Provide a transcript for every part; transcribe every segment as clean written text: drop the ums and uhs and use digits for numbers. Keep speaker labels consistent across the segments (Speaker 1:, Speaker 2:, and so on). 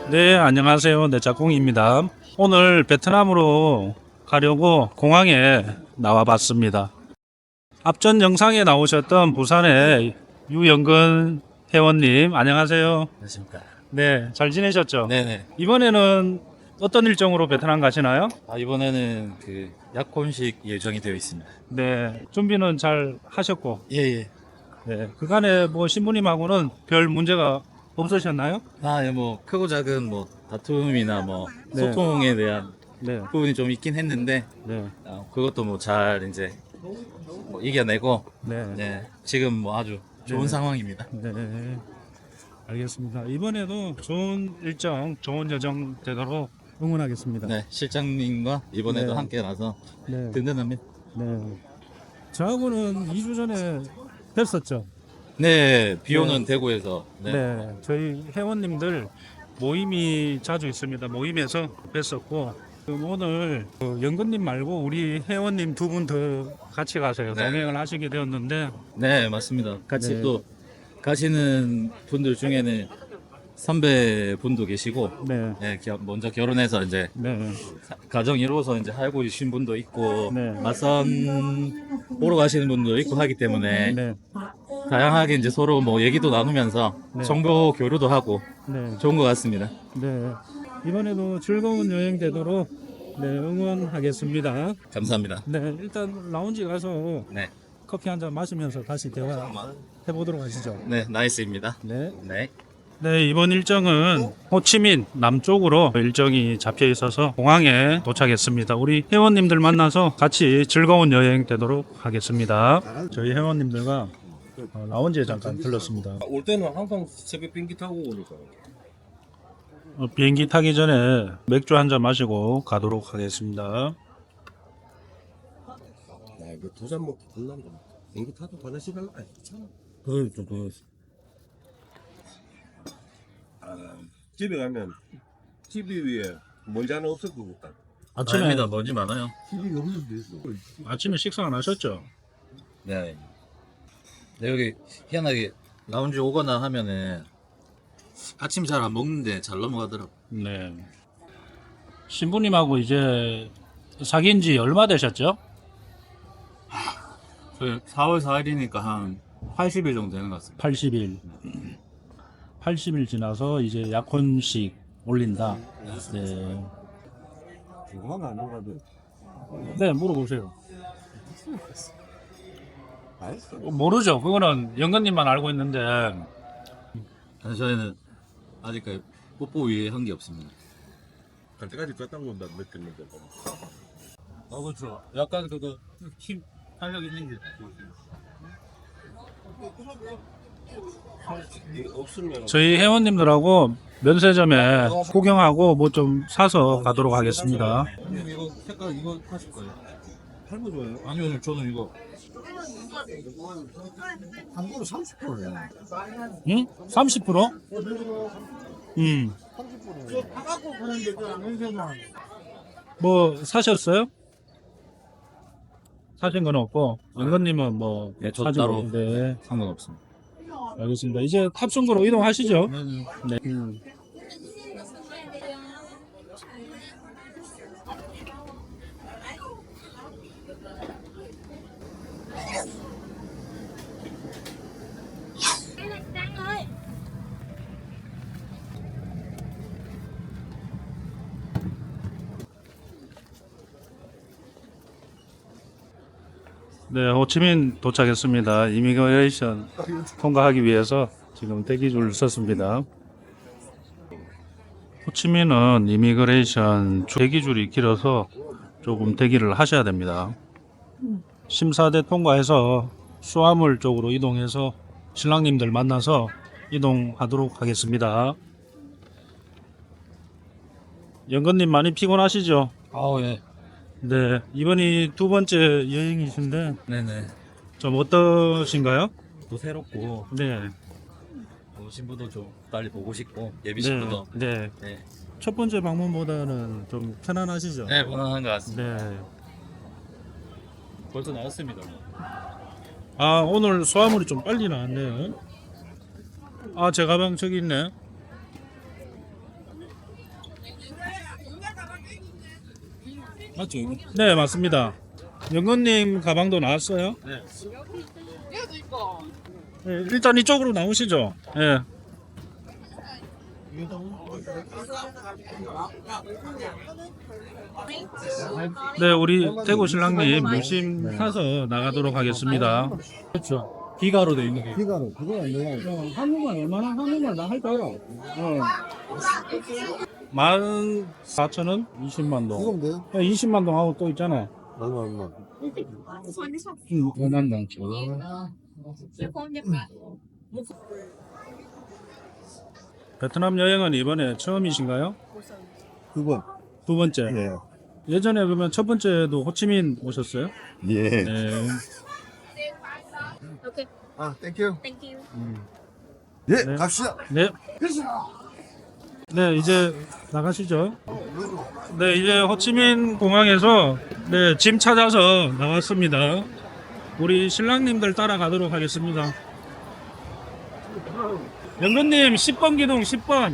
Speaker 1: 네, 안녕하세요. 네, 짝꿍입니다. 오늘 베트남으로 가려고 공항에 나와 봤습니다. 앞전 영상에 나오셨던 부산의 유영근 회원님, 안녕하세요.
Speaker 2: 안녕하십니까.
Speaker 1: 네, 잘 지내셨죠?
Speaker 2: 네네.
Speaker 1: 이번에는 어떤 일정으로 베트남 가시나요?
Speaker 2: 이번에는 그 약혼식 예정이 되어 있습니다.
Speaker 1: 네, 준비는 잘 하셨고,
Speaker 2: 예예.
Speaker 1: 네, 그간에 뭐 신부님하고는 별 문제가 없으셨나요?
Speaker 2: 예, 뭐 크고 작은 뭐 다툼이나 뭐
Speaker 1: 네.
Speaker 2: 소통에 대한
Speaker 1: 네,
Speaker 2: 부분이 좀 있긴 했는데
Speaker 1: 네,
Speaker 2: 그것도 뭐 잘 이제 뭐 이겨내고
Speaker 1: 네.
Speaker 2: 네, 지금 뭐 아주 좋은
Speaker 1: 네.
Speaker 2: 상황입니다.
Speaker 1: 네, 알겠습니다. 이번에도 좋은 일정, 좋은 여정 되도록 응원하겠습니다.
Speaker 2: 네, 실장님과 이번에도
Speaker 1: 네.
Speaker 2: 함께 나서
Speaker 1: 네,
Speaker 2: 든든합니다.
Speaker 1: 네. 저하고는 2주 전에 뵀었죠.
Speaker 2: 네, 비 오는 대구에서
Speaker 1: 네.
Speaker 2: 네.
Speaker 1: 저희 회원님들 모임이 자주 있습니다. 모임에서 뵀었고, 그럼 오늘 연근님 말고 우리 회원님 두 분 더 같이 가세요.
Speaker 2: 네.
Speaker 1: 동행을 하시게 되었는데,
Speaker 2: 네, 맞습니다. 같이
Speaker 1: 네.
Speaker 2: 또 가시는 분들 중에는 선배 분도 계시고
Speaker 1: 네,
Speaker 2: 네, 먼저 결혼해서 이제
Speaker 1: 네,
Speaker 2: 가정 이루어서 이제 살고 계신 분도 있고
Speaker 1: 네.
Speaker 2: 맞선 보러 가시는 분도 있고 하기 때문에
Speaker 1: 네,
Speaker 2: 다양하게 이제 서로 뭐 얘기도 나누면서
Speaker 1: 네.
Speaker 2: 정보 교류도 하고
Speaker 1: 네.
Speaker 2: 좋은 것 같습니다.
Speaker 1: 네, 이번에도 즐거운 여행 되도록 네, 응원하겠습니다.
Speaker 2: 감사합니다.
Speaker 1: 네, 일단 라운지 가서
Speaker 2: 네,
Speaker 1: 커피 한 잔 마시면서 다시 대화 해보도록 하시죠.
Speaker 2: 네, 나이스입니다.
Speaker 1: 네.
Speaker 2: 네.
Speaker 1: 네, 이번 일정은 호치민 남쪽으로 일정이 잡혀 있어서 공항에 도착했습니다. 우리 회원님들 만나서 같이 즐거운 여행 되도록 하겠습니다. 저희 회원님들과 라운지에 잠깐 들렀습니다.
Speaker 3: 올 때는 항상 새벽 비행기 타고 오니까.
Speaker 1: 비행기 타기 전에 맥주 한 잔 마시고 가도록 하겠습니다.
Speaker 3: 야, 이거 두 잔 먹고 끝난다. 비행기 타도 화장실 갈라? 괜찮아.
Speaker 2: 그렇죠, 그렇죠.
Speaker 3: 집에 가면 TV 위에 먼지 하나 없을 것 같다.
Speaker 2: 아침입니다. 먼지 많아요.
Speaker 3: TV가 없는데 있어.
Speaker 1: 아침에 식사 안 하셨죠?
Speaker 2: 네. 네, 여기 희한하게 라운지 오거나 하면은 아침 잘 안 먹는데 잘 넘어가더라고.
Speaker 1: 네. 신부님하고 이제 사귄 지 얼마 되셨죠?
Speaker 2: 그 4월 4일이니까 한 80일 정도 되는 것 같습니다.
Speaker 1: 80일. 80일 지나서 이제 약혼식 올린다. 네.
Speaker 3: 궁금한 거안 가도.
Speaker 1: 네, 물어보세요.
Speaker 3: 알았어.
Speaker 1: 모르죠. 그거는 영건님만 알고 있는데.
Speaker 2: 저희는 아직까지 뽀뽀 위에 한 게 없습니다.
Speaker 3: 갈 때까지 뺐다고 온다 느꼈는데.
Speaker 2: 그렇죠. 약간 힘 탄력 있는 게
Speaker 3: 이게 없으면
Speaker 1: 저희 회원님들하고 면세점에 구경하고 뭐 좀 사서 가도록 하겠습니다.
Speaker 2: 이거 색깔 이거 하실 거예요?
Speaker 3: 할부 줘요.
Speaker 2: 아니요, 저는 이거
Speaker 3: 한 번에 30%네.
Speaker 1: 응? 30%? 뭐 사셨어요? 사신 건 없고 영건님은 뭐
Speaker 2: 네, 저
Speaker 1: 사지고
Speaker 2: 따로.
Speaker 1: 네,
Speaker 2: 상관없습니다.
Speaker 1: 알겠습니다. 이제 탑승구로 이동하시죠. 네. 네, 호치민 도착했습니다. 이미그레이션 통과하기 위해서 지금 대기줄 섰습니다. 호치민은 이미그레이션 대기줄이 길어서 조금 대기를 하셔야 됩니다. 심사대 통과해서 수화물 쪽으로 이동해서 신랑님들 만나서 이동하도록 하겠습니다. 영건님 많이 피곤하시죠?
Speaker 2: 예.
Speaker 1: 네, 이번이 두 번째 여행이신데
Speaker 2: 네네.
Speaker 1: 좀 어떠신가요?
Speaker 2: 또 새롭고
Speaker 1: 네,
Speaker 2: 신부도 좀 빨리 보고 싶고 예비
Speaker 1: 네,
Speaker 2: 신부도
Speaker 1: 네.
Speaker 2: 네,
Speaker 1: 첫 번째 방문보다는 좀 편안하시죠?
Speaker 2: 네 무난한 것 같습니다.
Speaker 1: 네.
Speaker 2: 벌써 나왔습니다.
Speaker 1: 아, 오늘 소화물이 좀 빨리 나왔네요. 아, 제 가방 저기 있네.
Speaker 2: 맞죠?
Speaker 1: 네, 맞습니다. 영근님 가방도 나왔어요?
Speaker 2: 네.
Speaker 1: 네, 일단 이쪽으로 나오시죠. 예. 네, 우리 대구 신랑님 물심 타서 나가도록 하겠습니다. 그렇죠. 기가로 돼 있는 게.
Speaker 4: 비가로 그거 안 돼요.
Speaker 1: 한국말 얼마나 한국말 나 할까요? 14,000원? 20만 동.
Speaker 4: 이거면 돼요?
Speaker 1: 20만 동 하고 또 있잖아요.
Speaker 4: 얼마.
Speaker 1: 원한 동. 베트남 여행은 이번에 처음이신가요?
Speaker 4: 9번.
Speaker 1: 두 번째.
Speaker 4: 예.
Speaker 1: 예전에 그러면 첫 번째도 호치민 오셨어요?
Speaker 4: 예.
Speaker 1: 네.
Speaker 5: Okay,
Speaker 4: 아, 땡큐.
Speaker 5: thank you.
Speaker 4: 예,
Speaker 1: 네.
Speaker 4: 갑시다.
Speaker 1: 네. 네, 이제 나가시죠. 네, 이제 호치민 공항에서 네, 짐 찾아서 나왔습니다. 우리 신랑님들 따라가도록 하겠습니다. 영근님 10번 기둥 10번.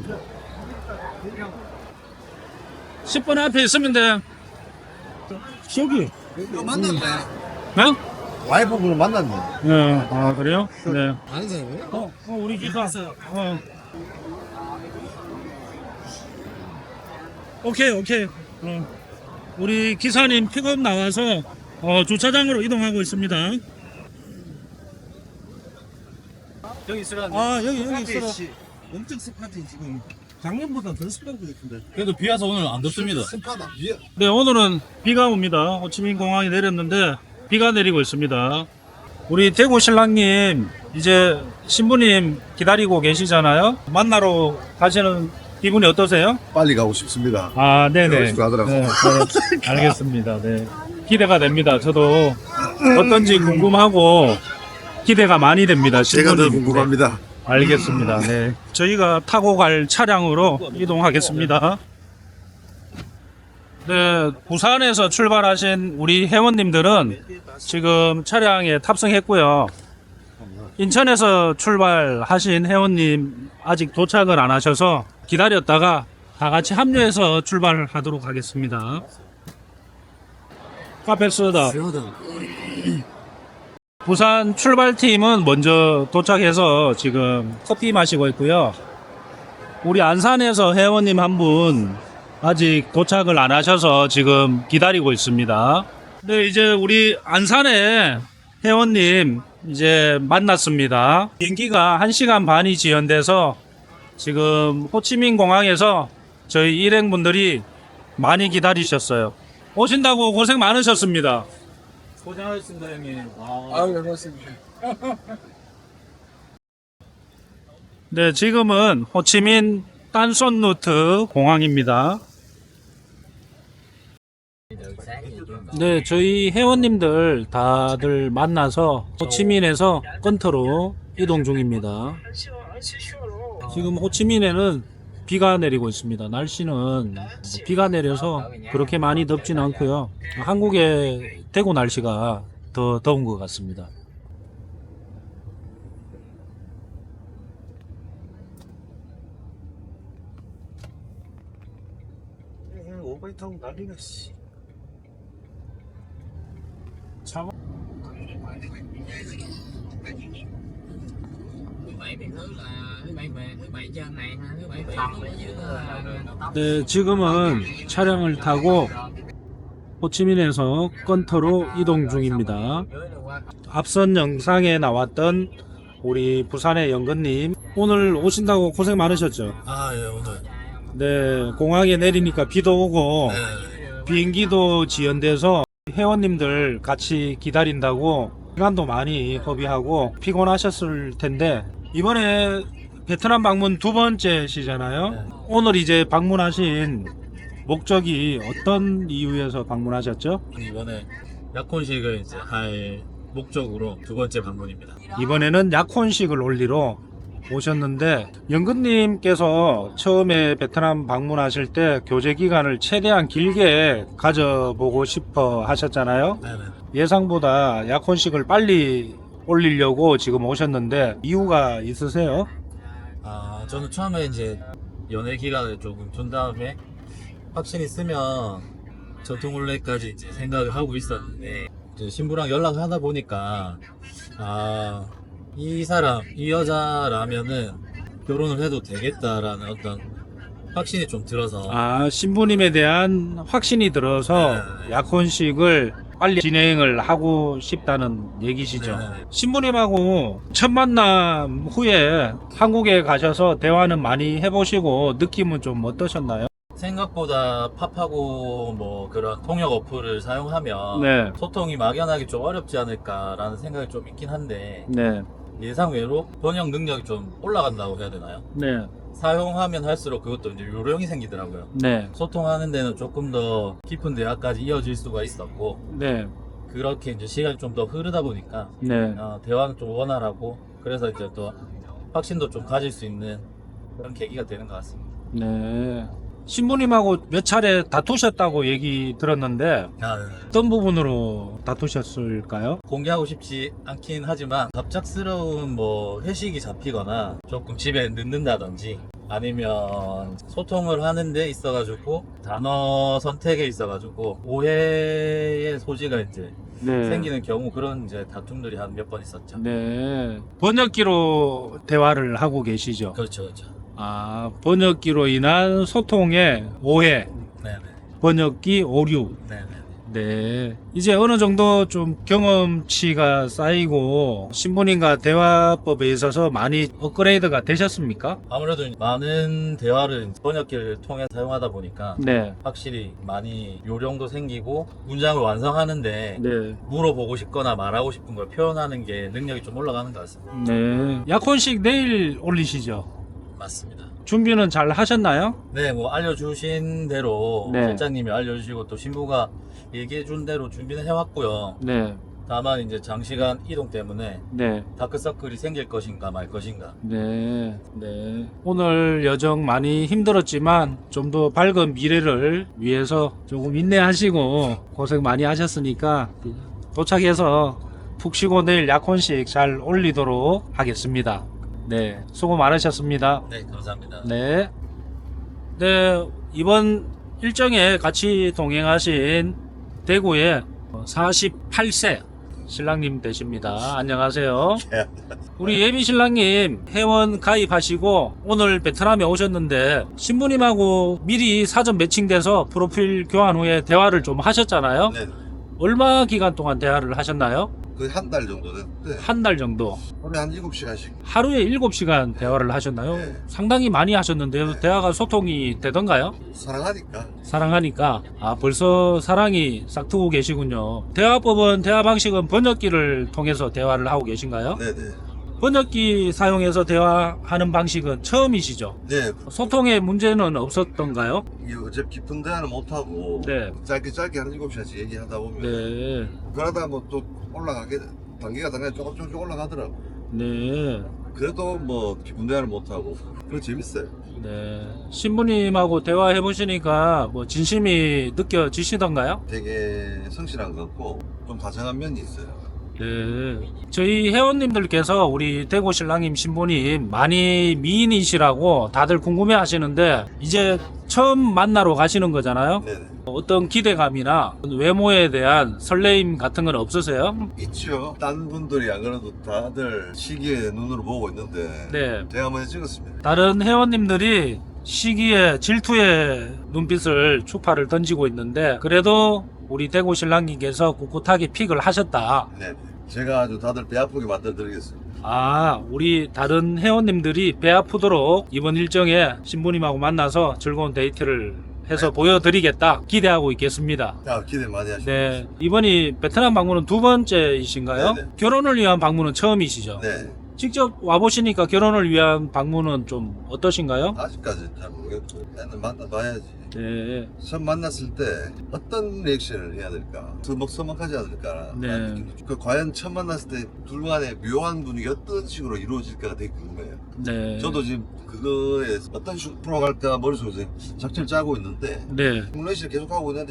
Speaker 1: 10번 앞에 있으면 돼. 여기.
Speaker 4: 이거 만났네.
Speaker 1: 네?
Speaker 4: 와이프분을 만났네.
Speaker 1: 네. 아, 그래요? 네.
Speaker 4: 아는 사람이에요?
Speaker 1: 우리 기사. 오케이. 우리 기사님 픽업 나와서 주차장으로 이동하고 있습니다.
Speaker 2: 여기 있으라는.
Speaker 1: 여기 있어라.
Speaker 4: 엄청 습하지 지금. 작년보다 더 습한 것 같은데.
Speaker 2: 그래도 비 와서 오늘 안 덥습니다.
Speaker 4: 습하다.
Speaker 1: 네, 오늘은 비가 옵니다. 호치민 공항에 내렸는데 비가 내리고 있습니다. 우리 대구 신랑님 이제 신부님 기다리고 계시잖아요. 만나러 가시는 기분이 어떠세요?
Speaker 4: 빨리 가고 싶습니다.
Speaker 1: 아, 네네.
Speaker 4: 그러시고 하더라고요.
Speaker 1: 네, 알겠습니다. 네. 기대가 됩니다. 저도 어떤지 궁금하고 기대가 많이 됩니다.
Speaker 4: 제가 더
Speaker 1: 신부님.
Speaker 4: 궁금합니다.
Speaker 1: 알겠습니다. 네. 저희가 타고 갈 차량으로 이동하겠습니다. 네, 부산에서 출발하신 우리 회원님들은 지금 차량에 탑승했고요. 인천에서 출발하신 회원님 아직 도착을 안 하셔서 기다렸다가 다 같이 합류해서 출발하도록 하겠습니다. 카페 소다. 부산 출발팀은 먼저 도착해서 지금 커피 마시고 있고요. 우리 안산에서 회원님 한 분 아직 도착을 안 하셔서 지금 기다리고 있습니다. 네, 이제 우리 안산에 회원님 이제 만났습니다. 비행기가 1시간 반이 지연돼서 지금 호치민 공항에서 저희 일행분들이 많이 기다리셨어요. 오신다고 고생 많으셨습니다.
Speaker 2: 고생하셨습니다, 형님.
Speaker 4: 아유, 고맙습니다.
Speaker 1: 네, 지금은 호치민 딴손루트 공항입니다. 네, 저희 회원님들 다들 만나서 호치민에서 건터로 이동 중입니다. 지금 호치민에는 비가 내리고 있습니다. 날씨는 비가 내려서 그렇게 많이 덥진 않고요. 한국의 대구 날씨가 더 더운 것 같습니다.
Speaker 4: 오바이 타고 난리가 씨.
Speaker 1: 네, 지금은 차량을 타고 호치민에서 건터로 이동 중입니다. 앞선 영상에 나왔던 우리 부산의 영근님 오늘 오신다고 고생 많으셨죠?
Speaker 2: 아, 예, 오늘.
Speaker 1: 네, 공항에 내리니까 비도 오고 비행기도 지연돼서 회원님들 같이 기다린다고 시간도 많이 허비하고 피곤하셨을 텐데 이번에 베트남 방문 두 번째시잖아요. 오늘 이제 방문하신 목적이 어떤 이유에서 방문하셨죠?
Speaker 2: 이번에 약혼식을 이제 할 목적으로 두 번째 방문입니다.
Speaker 1: 이번에는 약혼식을 올리러 오셨는데 영근님께서 처음에 베트남 방문하실 때 교제 기간을 최대한 길게 가져보고 싶어 하셨잖아요.
Speaker 2: 네네.
Speaker 1: 예상보다 약혼식을 빨리 올리려고 지금 오셨는데 이유가 있으세요?
Speaker 2: 아, 저는 처음에 이제 연애 기간을 조금 둔 다음에 확신이 쓰면 전통혼례까지 이제 생각을 하고 있었는데 이제 신부랑 연락을 하다 보니까 아, 이 사람, 이 여자라면은 결혼을 해도 되겠다라는 어떤 확신이 좀 들어서
Speaker 1: 아, 신부님에 대한 확신이 들어서
Speaker 2: 네.
Speaker 1: 약혼식을 빨리 진행을 하고 싶다는 얘기시죠.
Speaker 2: 네.
Speaker 1: 신부님하고 첫 만남 후에 한국에 가셔서 대화는 많이 해보시고 느낌은 좀 어떠셨나요?
Speaker 2: 생각보다 팝하고 뭐 그런 통역 어플을 사용하면
Speaker 1: 네.
Speaker 2: 소통이 막연하게 좀 어렵지 않을까라는 생각이 좀 있긴 한데
Speaker 1: 네.
Speaker 2: 예상외로 번역 능력이 좀 올라간다고 해야 되나요?
Speaker 1: 네.
Speaker 2: 사용하면 할수록 그것도 이제 요령이 생기더라고요.
Speaker 1: 네.
Speaker 2: 소통하는 데는 조금 더 깊은 대화까지 이어질 수가 있었고
Speaker 1: 네.
Speaker 2: 그렇게 이제 시간이 좀 더 흐르다 보니까
Speaker 1: 네.
Speaker 2: 대화는 좀 원활하고 그래서 이제 또 확신도 좀 가질 수 있는 그런 계기가 되는 것 같습니다.
Speaker 1: 네. 신부님하고 몇 차례 다투셨다고 얘기 들었는데
Speaker 2: 네.
Speaker 1: 어떤 부분으로 다투셨을까요?
Speaker 2: 공개하고 싶지 않긴 하지만 갑작스러운 뭐 회식이 잡히거나 조금 집에 늦는다든지 아니면 소통을 하는 데 있어가지고 단어 선택에 있어가지고 오해의 소지가 이제
Speaker 1: 네.
Speaker 2: 생기는 경우 그런 이제 다툼들이 한 몇 번 있었죠.
Speaker 1: 네. 번역기로 대화를 하고 계시죠?
Speaker 2: 그렇죠, 그렇죠.
Speaker 1: 아, 번역기로 인한 소통의 오해,
Speaker 2: 네네.
Speaker 1: 번역기 오류.
Speaker 2: 네네.
Speaker 1: 네. 이제 어느 정도 좀 경험치가 쌓이고 신부님과 대화법에 있어서 많이 업그레이드가 되셨습니까?
Speaker 2: 아무래도 많은 대화를 번역기를 통해 사용하다 보니까
Speaker 1: 네.
Speaker 2: 확실히 많이 요령도 생기고 문장을 완성하는데
Speaker 1: 네.
Speaker 2: 물어보고 싶거나 말하고 싶은 걸 표현하는 게 능력이 좀 올라가는 것 같습니다.
Speaker 1: 네. 약혼식 내일 올리시죠?
Speaker 2: 맞습니다.
Speaker 1: 준비는 잘 하셨나요?
Speaker 2: 네, 뭐 알려주신 대로
Speaker 1: 네.
Speaker 2: 실장님이 알려주시고 또 신부가 얘기해준 대로 준비는 해왔고요.
Speaker 1: 네.
Speaker 2: 다만 이제 장시간 이동 때문에
Speaker 1: 네.
Speaker 2: 다크서클이 생길 것인가 말 것인가.
Speaker 1: 네. 네. 오늘 여정 많이 힘들었지만 좀 더 밝은 미래를 위해서 조금 인내하시고 고생 많이 하셨으니까 도착해서 푹 쉬고 내일 약혼식 잘 올리도록 하겠습니다. 네. 수고 많으셨습니다.
Speaker 2: 네, 감사합니다.
Speaker 1: 네. 네, 이번 일정에 같이 동행하신 대구의 48세 신랑님 되십니다. 안녕하세요. 우리 예비 신랑님 회원 가입하시고 오늘 베트남에 오셨는데 신부님하고 미리 사전 매칭돼서 프로필 교환 후에 대화를 좀 하셨잖아요.
Speaker 5: 네,
Speaker 1: 얼마 기간 동안 대화를 하셨나요?
Speaker 5: 거의 한 달 정도 됐는데
Speaker 1: 한 달 정도.
Speaker 5: 하루에 한 7시간씩
Speaker 1: 하루에 7시간 대화를 하셨나요?
Speaker 5: 네.
Speaker 1: 상당히 많이 하셨는데요. 대화가 소통이 되던가요?
Speaker 5: 사랑하니까.
Speaker 1: 사랑하니까. 아, 벌써 사랑이 싹트고 계시군요. 대화법은, 대화 방식은 번역기를 통해서 대화를 하고 계신가요?
Speaker 5: 네네.
Speaker 1: 번역기 사용해서 대화하는 방식은 처음이시죠?
Speaker 5: 네,
Speaker 1: 소통에 문제는 없었던가요?
Speaker 5: 이게 어차피 깊은 대화는 못하고
Speaker 1: 네.
Speaker 5: 짧게 한 7시간씩 얘기하다 보면
Speaker 1: 네.
Speaker 5: 그러다 뭐 또 올라가게 단계가 조금씩 올라가더라고.
Speaker 1: 네.
Speaker 5: 그래도 뭐 깊은 대화는 못하고 그거 재밌어요.
Speaker 1: 네. 신부님하고 대화해 보시니까 뭐 진심이 느껴지시던가요?
Speaker 5: 되게 성실한 것 같고 좀 다정한 면이 있어요.
Speaker 1: 네. 저희 회원님들께서 우리 대구 신랑님 신부님 많이 미인이시라고 다들 궁금해 하시는데 이제 처음 만나러 가시는 거잖아요.
Speaker 5: 네네.
Speaker 1: 어떤 기대감이나 외모에 대한 설레임 같은 건 없으세요?
Speaker 5: 있죠. 딴 분들이 안 그래도 다들 시기에 눈으로 보고 있는데
Speaker 1: 네.
Speaker 5: 제가 먼저 찍었습니다.
Speaker 1: 다른 회원님들이 시기에 질투의 눈빛을 추파를 던지고 있는데 그래도 우리 대구 신랑님께서 꿋꿋하게 픽을 하셨다.
Speaker 5: 네. 제가 아주 다들 배 아프게 만들어 드리겠습니다.
Speaker 1: 아, 우리 다른 회원님들이 배 아프도록 이번 일정에 신부님하고 만나서 즐거운 데이트를 해서 보여드리겠다 기대하고 있겠습니다.
Speaker 5: 기대 많이 하시고.
Speaker 1: 네, 이번이 베트남 방문은 두 번째이신가요?
Speaker 5: 네네.
Speaker 1: 결혼을 위한 방문은 처음이시죠?
Speaker 5: 네.
Speaker 1: 직접 와보시니까 결혼을 위한 방문은 좀 어떠신가요?
Speaker 5: 아직까지 잘 모르겠고 애는 만나봐야지.
Speaker 1: 네,
Speaker 5: 처음 만났을 때 어떤 리액션을 해야 될까? 서먹서먹하지 않을까?
Speaker 1: 네.
Speaker 5: 그 과연 처음 만났을 때 둘 간의 묘한 분위기 어떤 식으로 이루어질까가 되게 궁금해요.
Speaker 1: 네.
Speaker 5: 저도 지금 그거에 어떤 식으로 풀어갈까 머릿속에서 작전을 짜고 있는데
Speaker 1: 네.
Speaker 5: 시뮬레이션을 계속하고 있는데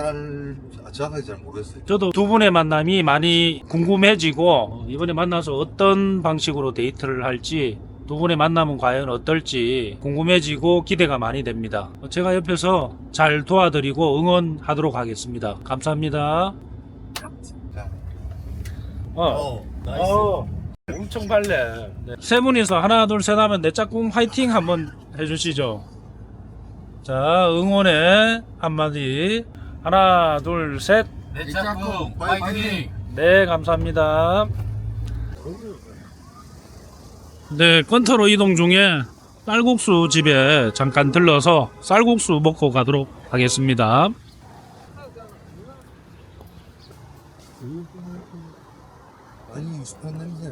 Speaker 5: 정확하게 잘 모르겠어요.
Speaker 1: 저도 두 분의 만남이 많이 궁금해지고 이번에 만나서 어떤 방식으로 데이트를 할지 두 분의 만남은 과연 어떨지 궁금해지고 기대가 많이 됩니다. 제가 옆에서 잘 도와드리고 응원하도록 하겠습니다. 감사합니다.
Speaker 2: 나이스.
Speaker 1: 엄청 발레. 네. 세 분이서 하나 둘 셋 하면 내 짝꿍 화이팅 한번 해주시죠. 자, 응원의 한마디. 하나 둘 셋.
Speaker 2: 내 짝꿍 파이팅!
Speaker 1: 네, 감사합니다. 네, 건터로 이동 중에 쌀국수 집에 잠깐 들러서 쌀국수 먹고 가도록 하겠습니다.
Speaker 5: 아니 스판 냄새.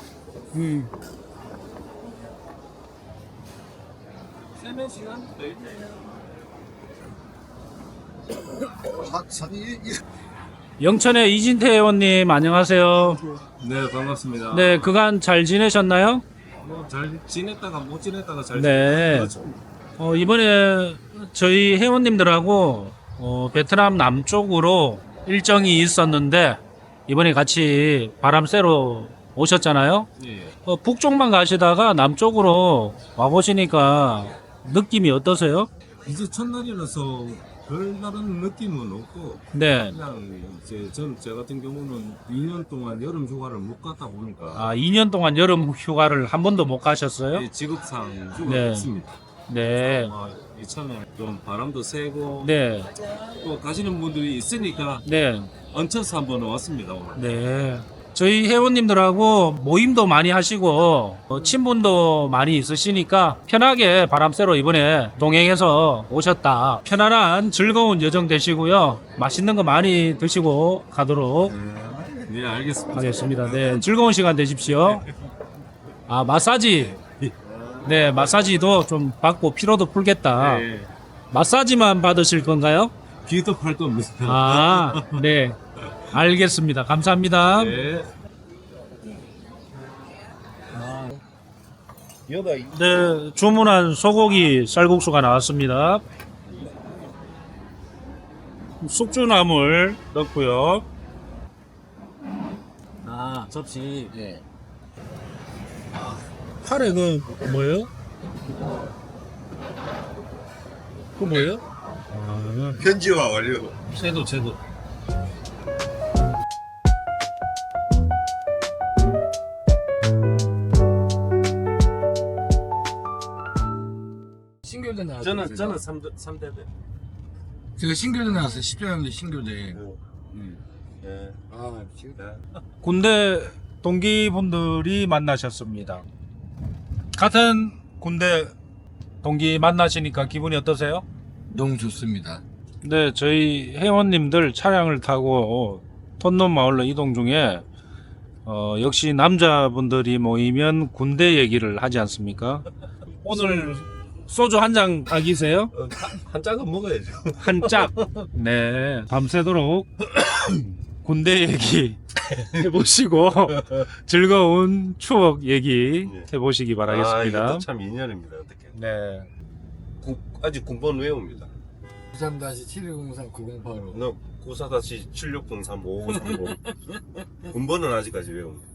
Speaker 5: 영천의 이진태 의원님 안녕하세요.
Speaker 4: 네, 반갑습니다.
Speaker 1: 네, 그간 잘 지내셨나요?
Speaker 4: 잘 지냈다가 못 지냈다가 잘
Speaker 1: 네.
Speaker 4: 그렇죠.
Speaker 1: 이번에 저희 회원님들하고 베트남 남쪽으로 일정이 있었는데 이번에 같이 바람 쐬러 오셨잖아요.
Speaker 4: 예.
Speaker 1: 북쪽만 가시다가 남쪽으로 와보시니까 느낌이 어떠세요?
Speaker 4: 이제 첫날이라서 별다른 느낌은 없고
Speaker 1: 네.
Speaker 4: 그냥 이제 제 같은 경우는 2년 동안 여름 휴가를 못 갔다 보니까
Speaker 1: 아, 2년 동안 여름 휴가를 한 번도 못 가셨어요?
Speaker 4: 이 직업상 휴가
Speaker 1: 네.
Speaker 4: 없습니다.
Speaker 1: 네.
Speaker 4: 이참에 좀 바람도 쐬고
Speaker 1: 네.
Speaker 4: 또 가시는 분들이 있으니까
Speaker 1: 네.
Speaker 4: 얹혀서 한번 왔습니다 오늘.
Speaker 1: 네. 저희 회원님들하고 모임도 많이 하시고 친분도 많이 있으시니까 편하게 바람 쐬러 이번에 동행해서 오셨다. 편안한 즐거운 여정 되시고요. 맛있는 거 많이 드시고 가도록
Speaker 4: 네, 알겠습니다.
Speaker 1: 하겠습니다. 네, 즐거운 시간 되십시오. 아, 마사지. 네, 마사지도 좀 받고 피로도 풀겠다.
Speaker 4: 네.
Speaker 1: 마사지만 받으실 건가요?
Speaker 4: 귀도 팔도 없습니다.
Speaker 1: 아, 네. 알겠습니다. 감사합니다.
Speaker 4: 네.
Speaker 1: 네, 주문한 소고기 쌀국수가 나왔습니다. 숙주나물 넣고요.
Speaker 2: 아, 접시.
Speaker 5: 예.
Speaker 1: 카레 그 뭐예요? 그 뭐예요?
Speaker 5: 편지와 완료.
Speaker 1: 채도.
Speaker 6: 신교대 나왔어요.
Speaker 4: 저는 3대대.
Speaker 6: 제가 신교대 나왔어요. 10년대 신교대.
Speaker 5: 예.
Speaker 6: 아, 지금
Speaker 1: 군대 동기분들이 만나셨습니다. 같은 군대 동기 만나시니까 기분이 어떠세요?
Speaker 6: 너무 좋습니다.
Speaker 1: 네, 저희 회원님들 차량을 타고 톤놈 마을로 이동 중에 역시 남자분들이 모이면 군대 얘기를 하지 않습니까? 오늘 소주 한 잔 각이세요?
Speaker 3: 한 짝은 먹어야죠.
Speaker 1: 한 짝. 네, 밤새도록 군대 얘기 해보시고 즐거운 추억 얘기 해보시기 바라겠습니다.
Speaker 3: 이것도 참 인연입니다. 어떻게?
Speaker 1: 네.
Speaker 3: 아직 군번 외웁니다.
Speaker 6: 93-7603-908로.
Speaker 3: 너 94-7603-5530 군번은 아직까지 외웁니다.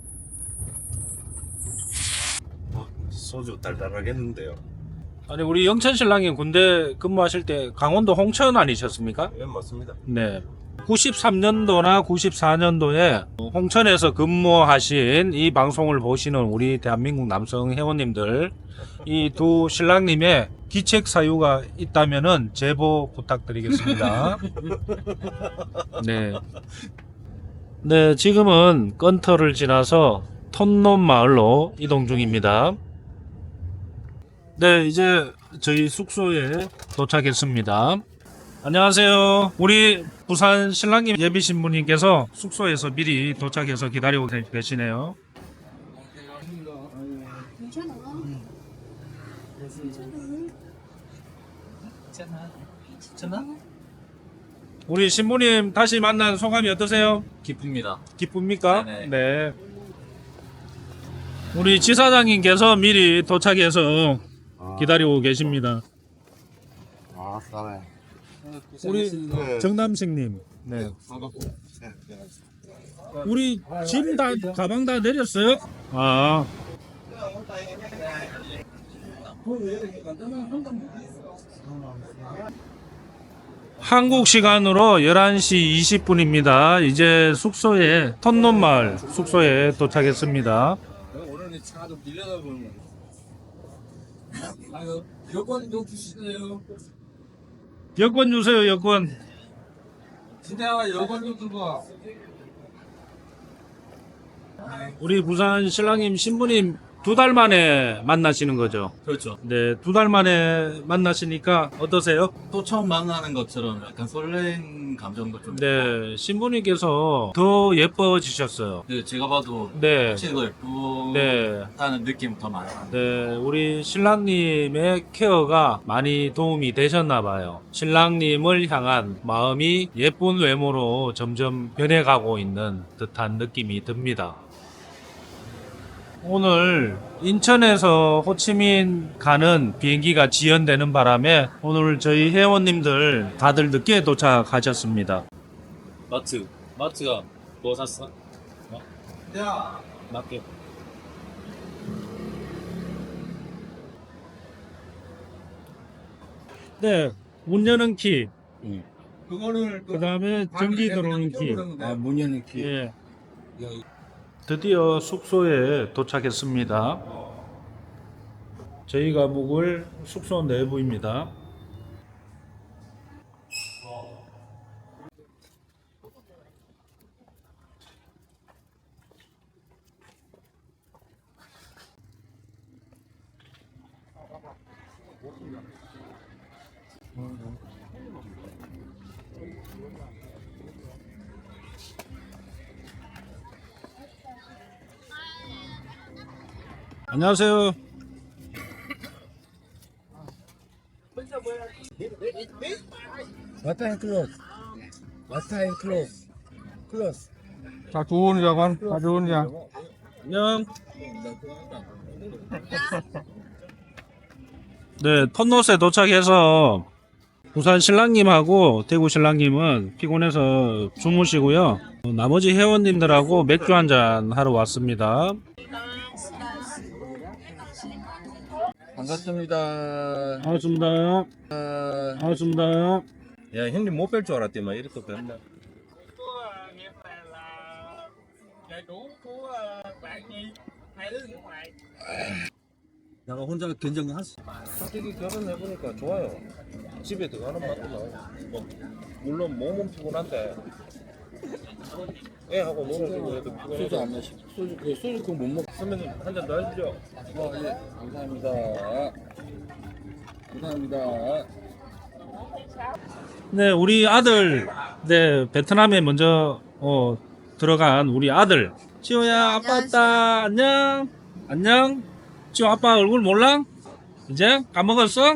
Speaker 3: 소주 달달하겠는데요.
Speaker 1: 아니 우리 영천 신랑이 군대 근무하실 때 강원도 홍천 아니셨습니까?
Speaker 3: 예, 맞습니다.
Speaker 1: 네. 93년도나 94년도에 홍천에서 근무하신 이 방송을 보시는 우리 대한민국 남성 회원님들 이 두 신랑님의 기책 사유가 있다면은 제보 부탁드리겠습니다. 네. 네, 지금은 건터를 지나서 톤놈 마을로 이동 중입니다. 네, 이제 저희 숙소에 도착했습니다. 안녕하세요. 우리 부산 신랑님 예비 신부님께서 숙소에서 미리 도착해서 기다리고 계시네요.
Speaker 2: 괜찮아?
Speaker 1: 우리 신부님 다시 만난 소감이 어떠세요?
Speaker 2: 기쁩니다.
Speaker 1: 기쁩니까?
Speaker 2: 네네.
Speaker 1: 네. 우리 지사장님께서 미리 도착해서 기다리고 계십니다.
Speaker 5: 아, 싸네.
Speaker 1: 우리 정남식님. 네. 우리 짐 다 가방 다 내렸어요? 아. 한국 시간으로 11시 20분입니다. 이제 숙소에 턴논마을 숙소에 도착했습니다.
Speaker 6: 오늘 차 좀 빌려다 보면. 아유, 여권 좀 주시네요.
Speaker 1: 여권 주세요. 여권.
Speaker 6: 진짜 여권 좀 들고 와.
Speaker 1: 우리 부산 신랑님 신부님 2달 만에 만나시는 거죠?
Speaker 2: 그렇죠.
Speaker 1: 네, 2달 만에 만나시니까 어떠세요?
Speaker 2: 또 처음 만나는 것처럼 약간 설레는 감정도 좀.
Speaker 1: 네, 신부님께서 더 예뻐지셨어요.
Speaker 2: 네, 제가 봐도
Speaker 1: 네,
Speaker 2: 훨씬 더 예쁘다는
Speaker 1: 네,
Speaker 2: 느낌 더 많아요.
Speaker 1: 네, 우리 신랑님의 케어가 많이 도움이 되셨나 봐요. 신랑님을 향한 마음이 예쁜 외모로 점점 변해가고 있는 듯한 느낌이 듭니다. 오늘 인천에서 호치민 가는 비행기가 지연되는 바람에 오늘 저희 회원님들 다들 늦게 도착하셨습니다.
Speaker 2: 마트가 뭐 샀어?
Speaker 6: 야,
Speaker 2: 맞게.
Speaker 1: 네, 문 여는 키,
Speaker 6: 그거를
Speaker 1: 그 다음에 전기 들어오는 키.
Speaker 6: 아, 문 여는 키.
Speaker 1: 예. 드디어 숙소에 도착했습니다. 저희가 묵을 숙소 내부입니다. 안녕하세요.
Speaker 6: 왔다 인 클로스. 왔다 인 클로스. 클로스. 자, 좋은 자관. 자, 좋은 자.
Speaker 1: 안녕. 네, 턴노스에 도착해서 부산 신랑님하고 대구 신랑님은 피곤해서 주무시고요. 나머지 회원님들하고 맥주 한잔 하러 왔습니다.
Speaker 6: 반갑습니다.
Speaker 1: 반갑습니다. 반갑습니다.
Speaker 3: 야 형님 못 뺄 줄 알았더만 이렇게 뺐나. 내가 혼자 견정하시. 솔직히 결혼해보니까 좋아요. 집에 들어가는 맛도 나요. 뭐, 물론 몸은 피곤한데 애하고 놀아주고 해도 피곤해도.
Speaker 6: 소주 안 마시. 소주 그거 못 먹.
Speaker 3: 선배님 한 잔 더 하시죠.
Speaker 6: 예. 감사합니다. 감사합니다.
Speaker 1: 네, 우리 아들, 네, 베트남에 먼저 들어간 우리 아들. 지호야, 아빠 왔다. 안녕. 안녕. 지호 아빠 얼굴 몰라? 이제 까먹었어?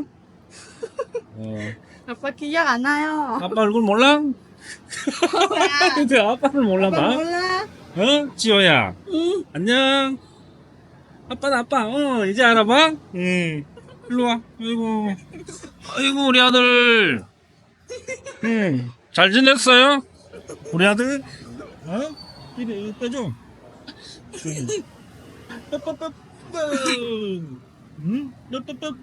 Speaker 7: 아빠 기억 안 나요.
Speaker 1: 아빠 얼굴 몰라?
Speaker 7: 뭐야?
Speaker 1: 근데 아빠를 몰라
Speaker 7: 아빠
Speaker 1: 봐.
Speaker 7: 몰라?
Speaker 1: 어? 지호야.
Speaker 7: 응.
Speaker 1: 안녕. 아빠는 아빠. 이제 알아봐? 응. 일로 와. 아이고. 아이고, 우리 아들. 응. 잘 지냈어요? 우리 아들? 어? 이리 빼줘. 빠빠빠빠. 응? 빠빠빠빠.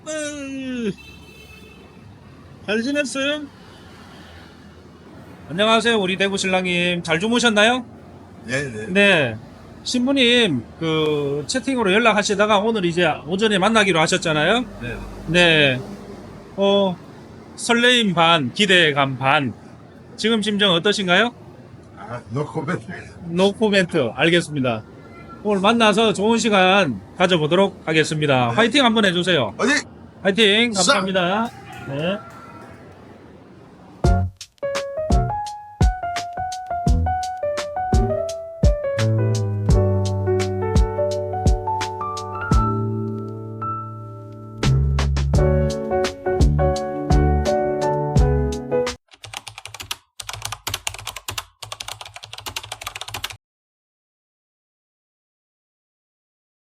Speaker 1: 잘 지냈어요? 안녕하세요. 우리 대구 신랑님. 잘 주무셨나요?
Speaker 5: 네네.
Speaker 1: 네. 신부님, 채팅으로 연락하시다가 오늘 이제 오전에 만나기로 하셨잖아요?
Speaker 5: 네.
Speaker 1: 네. 설레임 반, 기대감 반. 지금 심정 어떠신가요?
Speaker 5: 노 코멘트.
Speaker 1: 노 코멘트. 알겠습니다. 오늘 만나서 좋은 시간 가져보도록 하겠습니다. 화이팅 한번 해주세요.
Speaker 5: 어디?
Speaker 1: 화이팅! 감사합니다. 네.